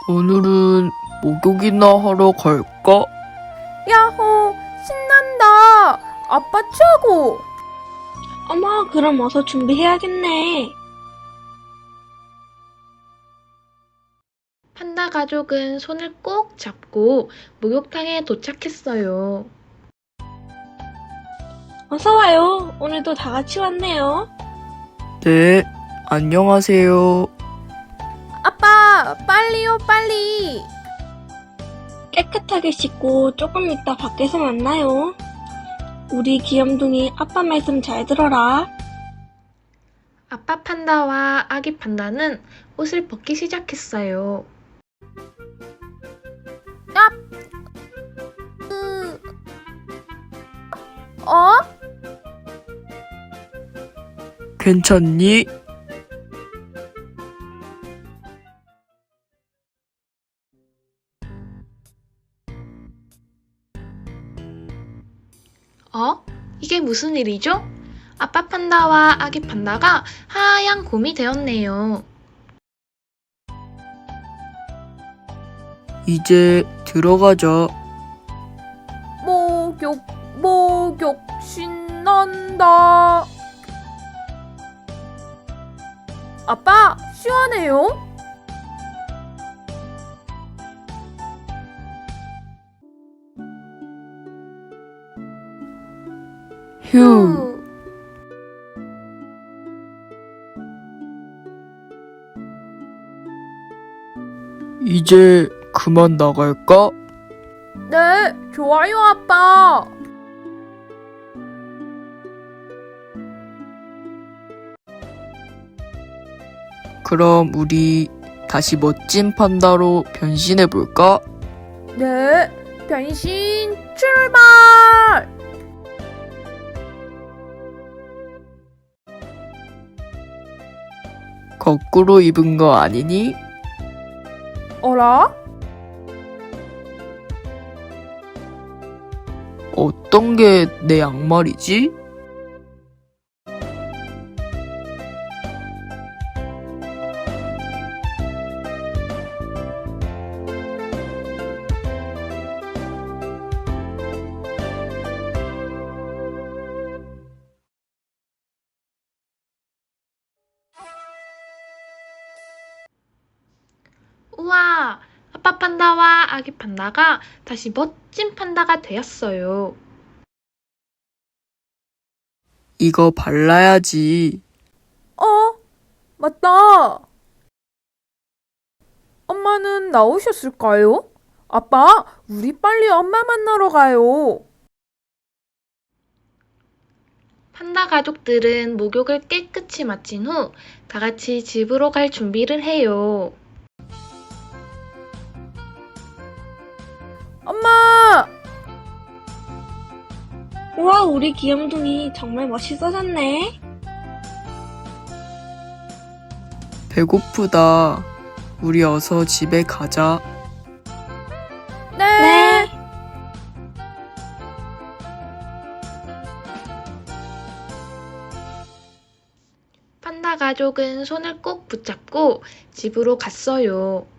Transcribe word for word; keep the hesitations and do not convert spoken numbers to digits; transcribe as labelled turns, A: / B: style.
A: 오늘은 목욕이나 하러 갈까?
B: 야호! 신난다! 아빠 최고!
C: 어머, 그럼 어서 준비해야겠네.
D: 판다 가족은 손을 꼭 잡고 목욕탕에 도착했어요.
C: 어서 와요. 오늘도 다 같이 왔네요.
A: 네, 안녕하세요.
B: 아빠, 빨리요, 빨리!
C: 깨끗하게 씻고 조금 이따 밖에서 만나요. 우리 귀염둥이 아빠 말씀 잘 들어라.
D: 아빠 판다와 아기 판다는 옷을 벗기 시작했어요.
B: 으... 어?
A: 괜찮니?
D: 어? 이게 무슨 일이죠? 아빠 판다와 아기 판다가 하얀 곰이 되었네요.
A: 이제 들어가자.
B: 목욕, 목욕, 신난다. 아빠, 시원해요?
A: 휴. 이제 그만 나갈까?
B: 네, 좋아요, 아빠.
A: 그럼 우리 다시 멋진 판다로 변신해볼까?
B: 네, 변신 출발!
A: 거꾸로 입은 거 아니니?
B: 어라?
A: 어떤 게 내 양말이지?
D: 우와! 아빠 판다와 아기 판다가 다시 멋진 판다가 되었어요.
A: 이거 발라야지.
B: 어? 맞다. 엄마는 나오셨을까요? 아빠, 우리 빨리 엄마 만나러 가요.
D: 판다 가족들은 목욕을 깨끗이 마친 후 다 같이 집으로 갈 준비를 해요.
B: 엄마!
C: 우와, 우리 귀염둥이 정말 멋있어졌네.
A: 배고프다. 우리 어서 집에 가자.
B: 네.
C: 네.
D: 판다 가족은 손을 꼭 붙잡고 집으로 갔어요.